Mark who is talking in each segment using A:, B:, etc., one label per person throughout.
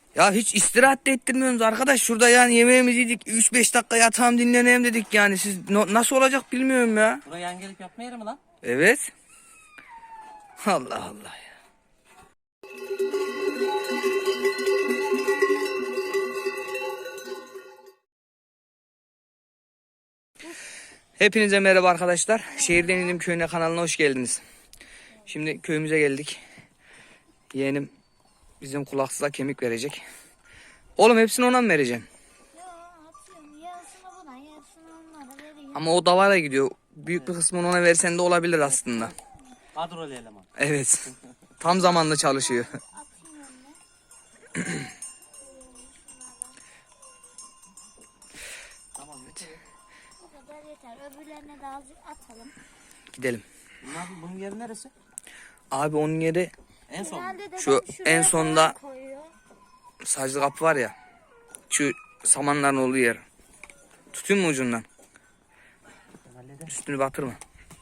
A: Ya hiç istirahat da ettirmiyorsunuz arkadaş. Şurada yani yemeğimizi yedik. 3-5 dakika yatağım dinleneyim dedik yani. Siz nasıl olacak bilmiyorum ya.
B: Buraya yan gelip yapma yeri mi lan?
A: Evet. Allah Allah ya. Hepinize merhaba arkadaşlar. Şehirden İndim Köyüne kanalına hoş geldiniz. Şimdi köyümüze geldik. Yeğenim bizim kulaksıza kemik verecek. Oğlum hepsini ona mı vereceğim?
C: Yo, atıyorum. Yarısını buna, yarısını onlara veriyorum.
A: Ama o davayla gidiyor. Büyük bir kısmını ona versen de olabilir aslında.
B: Kadrolu eleman.
A: Evet. Tam zamanlı çalışıyor.
C: Atayım önüne.
B: Tamam yeter.
C: Bu kadar yeter. Öbürlerine de azıcık atalım.
A: Gidelim.
B: Bunun yeri neresi?
A: Abi onun yeri
B: En son.
C: Genelde de
A: Şu
C: ben şuraya
A: en sonda-
C: falan koyuyor.
A: saclı kapı var ya. Şu samanların olduğu yer. Tutayım mı ucundan?
B: Ben hallederim.
A: Üstünü batırma.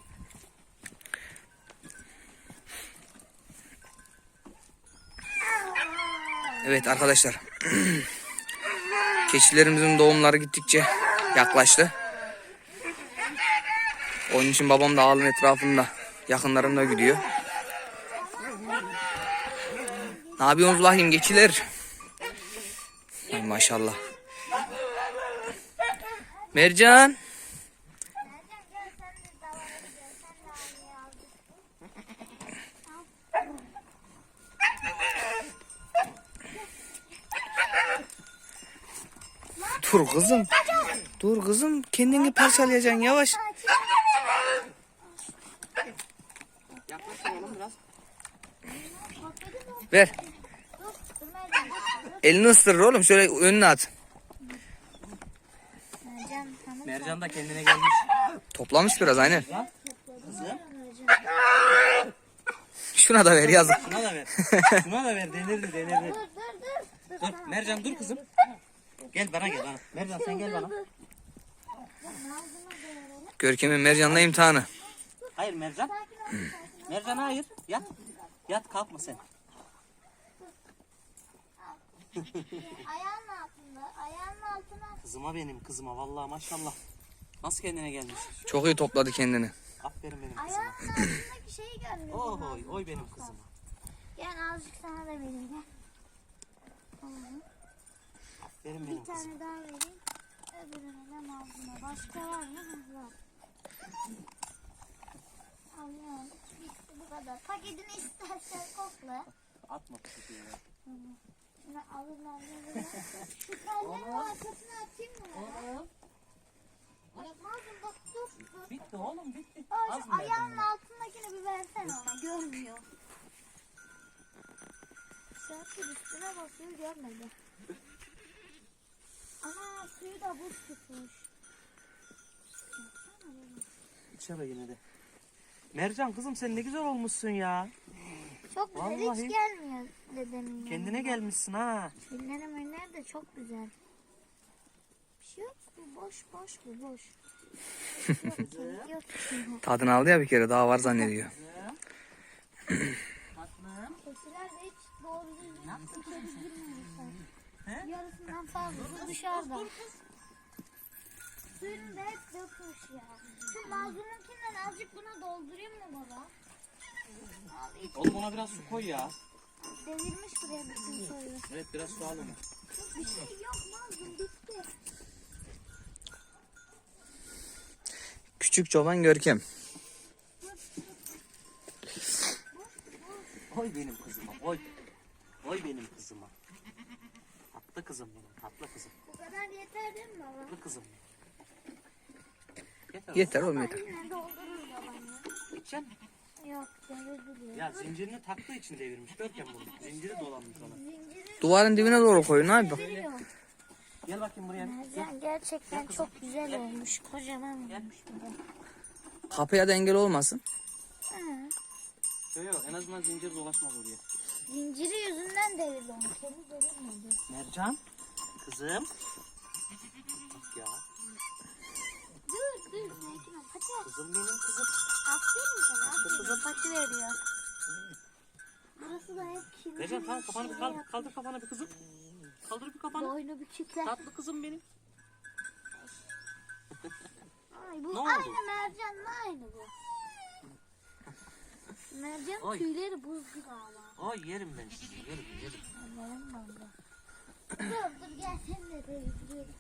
A: Evet arkadaşlar. Keçilerimizin doğumları gittikçe yaklaştı. Onun için babam da ağılın etrafında, yakınlarında gidiyor. Ne yapıyorsunuz bakayım keçiler? Ay maşallah. Mercan. Dur kızım. Dur kızım. Kendini parçalayacaksın yavaş.
B: Yaklaştır oğlum biraz.
A: Ver.
C: Dur Mercan.
A: Elini ısırır oğlum. Şöyle önüne at.
C: Mercan tamam.
B: Mercan da kendine gelmiş.
A: Toplamış biraz aynen.
B: Kızım.
A: Şuna da ver yazık.
B: Şuna da ver. Şuna da ver. Denirdi denirdi. Dur Mercan dur kızım. Gel bana gel bana. Mercan sen gel bana.
A: Görkem'in Mercan'la imtihanı.
B: Hayır Mercan. Mercan hayır. Yat. Yat kalkma sen.
C: Ayağının altında. Ayağının altına.
B: Kızıma benim kızıma vallahi maşallah. Nasıl kendine gelmiş?
A: Çok iyi topladı kendini.
B: Aferin benim kızıma.
C: Ayağının altındaki şeyi görmüyorum.
B: Oy oy benim kızıma.
C: Gel azıcık sana da vereyim. Gel.
B: Aferin
C: Bir
B: benim kızıma.
C: tane daha vereyim. Öbürüne de mazluma. Başka var mı? Var. Alıyorum. Bitti bu kadar. Paketini istersen kokla.
B: Atma paketi ya.
C: Şunu alırlar böyle. Şu tellerin arkasına atayım mı? Mazlum bak dur.
B: Bitti oğlum bitti.
C: Aa,
B: Az
C: şu
B: mı verdin
C: ayağının
B: ya?
C: altındakini bir versene ona. Görmüyor. Serpil üstüne basıyor görmedi. Ana suyu da buz tutmuş.
B: İçeri yine de. Mercan kızım sen ne güzel olmuşsun ya.
C: Çok güzel
B: Vallahi.
C: hiç gelmiyor dedemin
B: Kendine
C: yanına.
B: gelmişsin ha.
C: Filmlerim önler de çok güzel. Bir şey yok bu boş bu boş. Yok kemik yok.
A: Tadını aldı ya bir kere daha var zannediyor.
B: Tatlım.
C: Keçiler de hiç doğru düzgün içeri girmemişler.
B: He?
C: Yarısından fazlası dışarıda. Suyunu da hep dökmüş ya. Şu mazlumunkinden azıcık buna doldurayım mı baba? Al iç.
B: Oğlum ona biraz su koy ya.
C: Devirmiş buraya bütün suyu.
B: Evet biraz su al onu.
C: Bir şey yok mazlum bitti.
A: Küçük çoban Görkem.
B: Oy benim kızıma oy. Oy benim kızıma. Tatlı kızım benim tatlı kızım.
C: Bu kadar yeter değil mi baba?
B: Tatlı kızım. Yeter.
A: Yeter oğlum yeter.
C: Yine doldururuz babaanne.
B: İçeceksin.
C: Yok devirdi diyor.
B: Ya zincirini taktığı için devirmiş. Görkem bunu. Zinciri dolanmış ona.
C: Zinciri
A: Duvarın dibine doğru koyun abi.
C: deviriyor.
B: Gel bakayım buraya. Gel.
C: Mercan gerçekten çok güzel olmuş. Kocaman olmuş bir de.
A: Kapıya da engel olmasın.
C: Ha.
B: Yok en azından zincir dolaşmaz oraya.
C: Zinciri yüzünden devirdi onu. Kendi devirmedi.
B: Mercan. Kızım. Bak ya.
C: Dur Mekin o pati.
B: Kızım benim kızım.
C: Aferin sana. Aferin. Pati veriyor. Burası da hep kirli.
B: Mercan kalk kafanı bir kaldır kafanı bir kızım. Kaldır bir kafanı.
C: Boynu bir kitle.
B: Tatlı kızım benim.
C: Ay bu
B: Ne oldu?
C: aynı mercanla aynı bu. Mercan
B: Oy.
C: tüyleri buz gibi ama.
B: Ay yerim ben sizi. Yerim.
C: Anlarım ben de. Dur gel sen de değdiriyorum.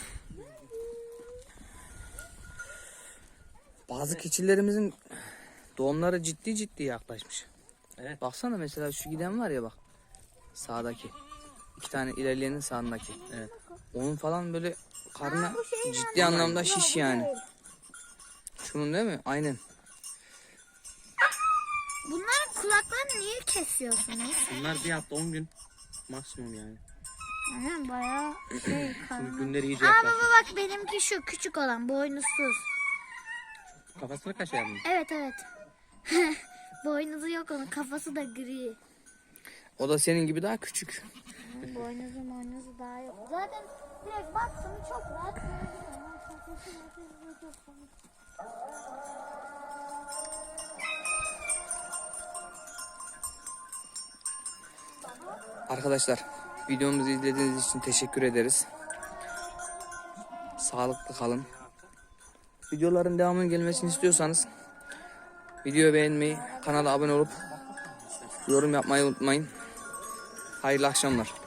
A: Bazı keçilerimizin doğumları ciddi yaklaşmış.
B: Evet.
A: Baksana mesela şu giden var ya bak. Sağdaki. 2 tane ilerleyenin sağındaki.
B: Evet.
A: Onun falan böyle karnı
C: bu şeyin
A: ciddi
C: anlamı.
A: anlamda
C: Yok,
A: şiş
C: bu
A: yani.
C: değil.
A: Şunun değil mi? Aynen.
C: Bunların kulaklarını niye kesiyorsunuz?
B: Bunlar bir hafta 10 gün maksimum yani.
C: Aynen bayağı şey
B: Çünkü
C: karnı.
B: günleri iyice
C: Aa
B: yaklaştı.
C: baba bak benimki şu küçük olan boynuzsuz.
B: Kafasına kaşıyan mı?
C: Evet. Boynuzu yok onun kafası da gri.
A: O da senin gibi daha küçük.
C: Boynuzu daha yok. Zaten direkt baktım çok rahat görebilirim. Kafası çok komik.
A: Arkadaşlar videomuzu izlediğiniz için teşekkür ederiz. Sağlıklı kalın. Videoların devamının gelmesini istiyorsanız videoyu beğenmeyi, kanala abone olup yorum yapmayı unutmayın. Hayırlı akşamlar.